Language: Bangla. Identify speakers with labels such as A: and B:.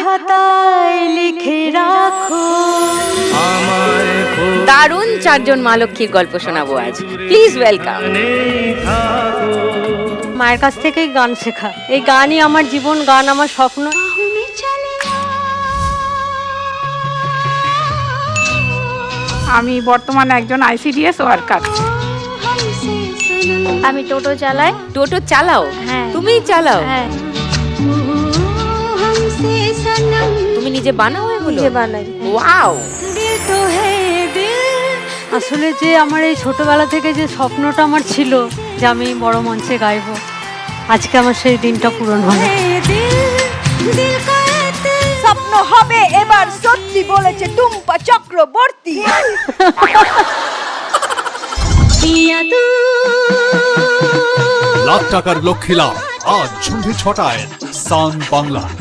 A: খাতায় লিখে রাখো।
B: দারুণ চারজন মা লক্ষ্মীর গল্প শোনাবো আজ। Please welcome.
A: মায়ের কাছ থেকেই গান শেখা, এই গানই আমার জীবন, গান আমার স্বপ্ন।
C: আমি বর্তমানে একজন আইসিডিএস ওয়ার্কার।
A: আমি টোটো চালাই।
B: টোটো চালাও?
A: হ্যাঁ।
B: তুমিই চালাও?
A: হ্যাঁ,
B: তুমি নিজে বানাও এগুলো?
A: নিজে বানাই।
B: ওয়াও।
A: আসলে যে আমার এই ছোটবেলা থেকে যে স্বপ্নটা আমার ছিল যে আমি বড় মঞ্চে গাইবো, আজকে আমার সেই দিনটা পূরণ হলো।
D: স্বপ্ন হবে এবার সত্যি বলেছে টুম্পা চক্রবর্তী।
E: লাখ টাকার লক্ষ্মী লাভ আজ সন্ধ্যে ৬টায় সান বাংলা।